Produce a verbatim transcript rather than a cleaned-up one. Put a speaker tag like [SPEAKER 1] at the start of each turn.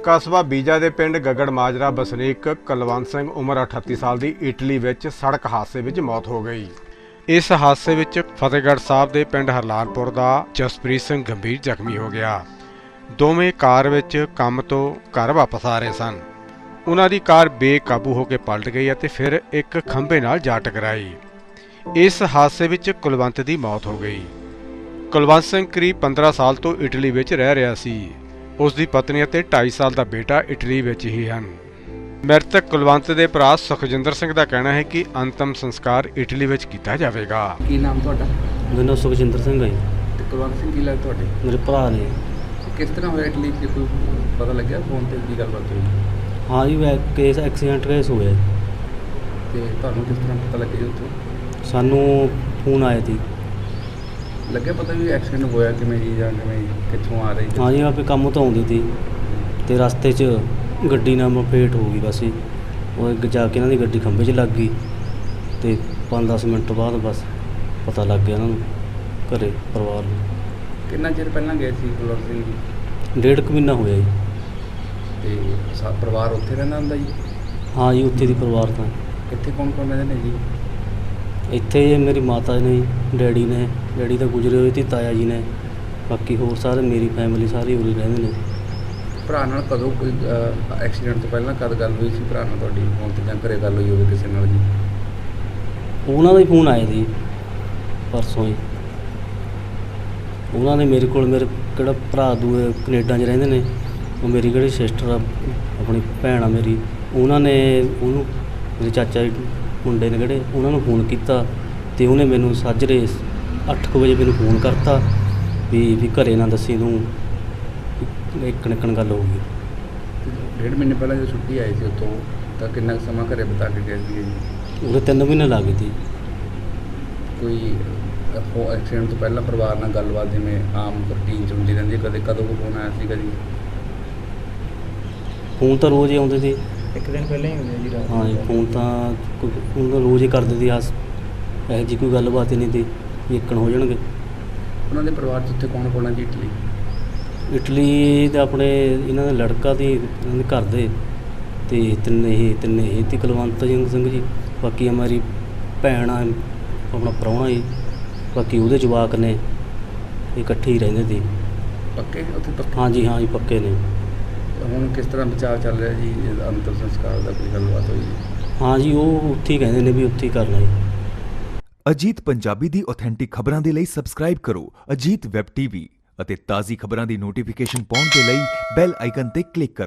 [SPEAKER 1] ਕਸਬਾ ਬੀਜਾ ਦੇ ਪਿੰਡ ਗਗੜ ਮਾਜਰਾ ਵਸਨੀਕ ਕੁਲਵੰਤ ਸਿੰਘ ਉਮਰ ਅਠੱਤੀ ਸਾਲ ਦੀ ਇਟਲੀ ਵਿੱਚ ਸੜਕ ਹਾਦਸੇ ਵਿੱਚ ਮੌਤ ਹੋ ਗਈ। ਇਸ ਹਾਦਸੇ ਵਿੱਚ ਫਤਿਹਗੜ੍ਹ ਸਾਹਿਬ ਦੇ ਪਿੰਡ ਹਰਲਾਲਪੁਰ ਦਾ ਜਸਪ੍ਰੀਤ ਸਿੰਘ ਗੰਭੀਰ ਜ਼ਖਮੀ ਹੋ ਗਿਆ। ਦੋਵੇਂ ਕਾਰ ਵਿੱਚ ਕੰਮ ਤੋਂ ਘਰ ਵਾਪਸ ਆ ਰਹੇ ਸਨ। ਉਹਨਾਂ ਦੀ ਕਾਰ ਬੇਕਾਬੂ ਹੋ ਕੇ ਪਲਟ ਗਈ ਅਤੇ ਫਿਰ ਇੱਕ ਖੰਭੇ ਨਾਲ ਜਾ ਟਕਰਾਈ। ਇਸ ਹਾਦਸੇ ਵਿੱਚ ਕੁਲਵੰਤ ਦੀ ਮੌਤ ਹੋ ਗਈ। ਕੁਲਵੰਤ ਸਿੰਘ ਕਰੀਬ ਪੰਦਰਾਂ ਸਾਲ ਤੋਂ ਇਟਲੀ ਵਿੱਚ ਰਹਿ ਰਿਹਾ ਸੀ। ਉਸ ਦੀ ਪਤਨੀ ਅਤੇ ਢਾਈ ਸਾਲ ਦਾ ਬੇਟਾ ਇਟਲੀ ਵਿੱਚ ਹੀ ਹਨ। ਮ੍ਰਿਤਕ ਕੁਲਵੰਤ ਦੇ ਭਰਾ ਸੁਖਜਿੰਦਰ ਸਿੰਘ ਦਾ ਕਹਿਣਾ ਹੈ ਕਿ ਅੰਤਮ ਸੰਸਕਾਰ ਇਟਲੀ ਵਿੱਚ ਕੀਤਾ ਜਾਵੇਗਾ।
[SPEAKER 2] ਕੀ ਨਾਮ ਤੁਹਾਡਾ?
[SPEAKER 3] ਮੇਰਾ ਨਾਮ ਸੁਖਜਿੰਦਰ ਸਿੰਘ ਹੈ ਜੀ।
[SPEAKER 2] ਤੇ ਕੁਲਵੰਤ ਸਿੰਘ ਕੀ ਲੱਗਦਾ ਤੁਹਾਡੇ?
[SPEAKER 3] ਮੇਰੇ ਭਰਾ ਨੇ।
[SPEAKER 2] ਕਿਸ ਤਰ੍ਹਾਂ ਹੋਇਆ ਇਟਲੀ 'ਚ, ਕੋਈ ਪਤਾ ਲੱਗਿਆ ਫੋਨ ਤੇ ਕੀ ਗੱਲਬਾਤ ਹੋਈ?
[SPEAKER 3] ਹਾਂ ਜੀ, ਵੈ ਕੇਸ ਐਕਸੀਡੈਂਟ ਕੇਸ ਹੋਇਆ ਜੀ।
[SPEAKER 2] ਤੇ ਤੁਹਾਨੂੰ ਕਿਸ ਤਰ੍ਹਾਂ ਪਤਾ ਲੱਗਿਆ ਜੀ ਉੱਥੋਂ?
[SPEAKER 3] ਸਾਨੂੰ ਫੋਨ ਆਇਆ ਸੀ।
[SPEAKER 2] ਲੱਗਿਆ ਪਤਾ ਵੀ ਐਕਸੀਡੈਂਟ ਹੋਇਆ ਕਿਵੇਂ ਜੀ, ਜਾਂ ਕਿਵੇਂ ਕਿੱਥੋਂ ਆ ਰਹੀ?
[SPEAKER 3] ਹਾਂ ਜੀ, ਆਪੇ ਕੰਮ ਤੋਂ ਆਉਂਦੀ ਸੀ ਅਤੇ ਰਸਤੇ 'ਚ ਗੱਡੀ ਨਾਲ ਮਪੇਟ ਹੋ ਗਈ। ਬਸ ਜੀ ਉਹ ਅੱਗੇ ਜਾ ਕੇ ਇਹਨਾਂ ਦੀ ਗੱਡੀ ਖੰਭੇ 'ਚ ਲੱਗ ਗਈ ਅਤੇ ਪੰਜ ਦਸ ਮਿੰਟ ਬਾਅਦ ਬਸ ਪਤਾ ਲੱਗ ਗਿਆ ਇਹਨਾਂ ਨੂੰ, ਘਰੇ ਪਰਿਵਾਰ ਨੂੰ।
[SPEAKER 2] ਕਿੰਨਾ ਚਿਰ ਪਹਿਲਾਂ ਗਏ ਸੀ ਕੁਲਵੰਤ ਸਿੰਘ ਜੀ?
[SPEAKER 3] ਡੇਢ ਕੁ ਮਹੀਨਾ ਹੋਇਆ ਜੀ।
[SPEAKER 2] ਤੇ ਸਾ ਪਰਿਵਾਰ ਉੱਥੇ ਰਹਿੰਦਾ ਹੁੰਦਾ ਜੀ?
[SPEAKER 3] ਹਾਂ ਜੀ, ਉੱਥੇ ਦੀ ਪਰਿਵਾਰ ਤਾਂ
[SPEAKER 2] ਇੱਥੇ ਕੌਣ ਕੌਣ ਰਹਿੰਦੇ ਨੇ ਜੀ?
[SPEAKER 3] ਇੱਥੇ ਮੇਰੀ ਮਾਤਾ ਨੇ, ਡੈਡੀ ਨੇ, ਡੈਡੀ ਤਾਂ ਗੁਜ਼ਰੇ ਹੋਏ ਸੀ, ਤਾਇਆ ਜੀ ਨੇ, ਬਾਕੀ ਹੋਰ ਸਾਰੇ ਮੇਰੀ ਫੈਮਿਲੀ ਸਾਰੀ ਉਰੇ ਰਹਿੰਦੇ ਨੇ।
[SPEAKER 2] ਭਰਾ ਨਾਲ ਕਦੋਂ ਕੋਈ ਐਕਸੀਡੈਂਟ ਤੋਂ ਪਹਿਲਾਂ ਕਦ ਗੱਲ ਹੋਈ ਸੀ ਭਰਾ ਨਾਲ ਤੁਹਾਡੀ, ਫੋਨ ਤੇ ਜਾਂ ਘਰੇ ਗੱਲ ਹੋਈ ਹੋਵੇ ਕਿਸੇ ਨਾਲ ਜੀ?
[SPEAKER 3] ਉਹਨਾਂ ਦਾ ਹੀ ਫੋਨ ਆਇਆ ਸੀ ਪਰਸੋਂ ਹੀ। ਉਹਨਾਂ ਨੇ ਮੇਰੇ ਕੋਲ, ਮੇਰੇ ਕਿਹੜਾ ਭਰਾ ਦੂਏ ਕੈਨੇਡਾ 'ਚ ਰਹਿੰਦੇ ਨੇ, ਉਹ ਮੇਰੀ ਕਿਹੜੀ ਸਿਸਟਰ ਆ, ਆਪਣੀ ਭੈਣ ਆ ਮੇਰੀ, ਉਹਨਾਂ ਨੇ ਉਹਨੂੰ, ਮੇਰੇ ਚਾਚਾ ਜੀ ਮੁੰਡੇ ਨੇ ਕਿਹੜੇ, ਉਹਨਾਂ ਨੂੰ ਫੋਨ ਕੀਤਾ ਅਤੇ ਉਹਨੇ ਮੈਨੂੰ ਸਾਜਰੇ ਅੱਠ ਕੁ ਵਜੇ ਮੈਨੂੰ ਫੋਨ ਕਰਤਾ ਵੀ ਵੀ ਘਰੇ ਨਾ ਦੱਸੀ ਤੂੰ, ਇੱਕ ਨਿਕਣ ਗੱਲ ਹੋ ਗਈ।
[SPEAKER 2] ਡੇਢ ਮਹੀਨੇ ਪਹਿਲਾਂ ਜਦੋਂ ਛੁੱਟੀ ਆਈ ਸੀ ਉੱਥੋਂ, ਤਾਂ ਕਿੰਨਾ ਕੁ ਸਮਾਂ ਘਰੇ ਬਿਤਾ ਕੇ ਗਏ ਸੀਗੇ ਜੀ?
[SPEAKER 3] ਉਹਦੇ ਤਿੰਨ ਮਹੀਨੇ ਲੱਗ ਗਏ ਸੀ।
[SPEAKER 2] ਕੋਈ ਉਹ ਐਕਸੀਡੈਂਟ ਤੋਂ ਪਹਿਲਾਂ ਪਰਿਵਾਰ ਨਾਲ ਗੱਲਬਾਤ ਜਿਵੇਂ ਆਮ ਰੂਟੀਨ 'ਚ ਹੁੰਦੀ ਰਹਿੰਦੀ ਹੈ, ਕਦੇ ਕਦੋਂ ਕੋਈ ਫੋਨ ਆਇਆ ਸੀਗਾ ਜੀ?
[SPEAKER 3] ਫੋਨ ਤਾਂ ਰੋਜ਼ ਹੀ ਆਉਂਦੇ ਸੀ।
[SPEAKER 2] ਇੱਕ ਦਿਨ ਪਹਿਲਾਂ ਹੀ ਹੁੰਦੇ ਜੀ ਰਾਤ?
[SPEAKER 3] ਹਾਂ ਜੀ, ਫੋਨ ਤਾਂ ਕੋਈ ਫੋਨ ਤਾਂ ਰੋਜ਼ ਹੀ ਕਰਦੇ ਸੀ। ਆਸ ਇਹੋ ਜਿਹੀ ਕੋਈ ਗੱਲਬਾਤ ਹੀ ਨਹੀਂ ਸੀ ਵੀ ਇੱਕਣ ਹੋ ਜਾਣਗੇ।
[SPEAKER 2] ਉਹਨਾਂ ਦੇ ਪਰਿਵਾਰ 'ਚ ਉੱਥੇ ਕੌਣ ਕੌਣ ਹੈ ਜੀ ਇਟਲੀ?
[SPEAKER 3] ਇਟਲੀ ਦੇ ਆਪਣੇ ਇਹਨਾਂ ਦਾ ਲੜਕਾ ਦੀ, ਇਹਨਾਂ ਦੇ ਘਰ ਦੇ, ਅਤੇ ਤਿੰਨੇ ਹੀ ਤਿੰਨੇ ਹੀ ਤੇ ਕੁਲਵੰਤ ਸਿੰਘ ਜੀ, ਬਾਕੀ ਮੇਰੀ ਭੈਣ ਆ, ਆਪਣਾ ਪ੍ਰਾਹੁਣਾ ਜੀ, ਬਾਕੀ ਉਹਦੇ ਜਵਾਕ ਨੇ, ਇਹ ਇਕੱਠੇ ਹੀ ਰਹਿੰਦੇ ਸੀ।
[SPEAKER 2] ਪੱਕੇ ਉੱਥੇ ਪੱਕੇ?
[SPEAKER 3] ਹਾਂ ਜੀ, ਹਾਂ ਜੀ, ਪੱਕੇ ਨੇ।
[SPEAKER 2] ਹੁਣ ਕਿਸ ਤਰ੍ਹਾਂ ਵਿਚਾਰ ਚੱਲ ਰਿਹਾ ਜੀ ਅੰਤਿਮ ਸੰਸਕਾਰ ਦਾ, ਕੋਈ ਗੱਲਬਾਤ ਹੋਈ ਜੀ?
[SPEAKER 3] ਹਾਂ ਜੀ, ਉਹ ਉੱਥੇ ਹੀ ਕਹਿੰਦੇ ਨੇ ਵੀ ਉੱਥੇ ਹੀ ਕਰਨਾ ਜੀ।
[SPEAKER 4] ਅਜੀਤ ਪੰਜਾਬੀ ਦੀ ਆਥੈਂਟਿਕ ਖਬਰਾਂ ਦੇ ਲਈ ਸਬਸਕ੍ਰਾਈਬ ਕਰੋ ਅਜੀਤ ਵੈਬ ਟੀਵੀ ਅਤੇ ਤਾਜ਼ੀ ਖਬਰਾਂ ਦੀ ਨੋਟੀਫਿਕੇਸ਼ਨ ਪਾਉਣ ਦੇ ਲਈ ਬੈਲ ਆਈਕਨ ਤੇ ਕਲਿੱਕ ਕਰੋ।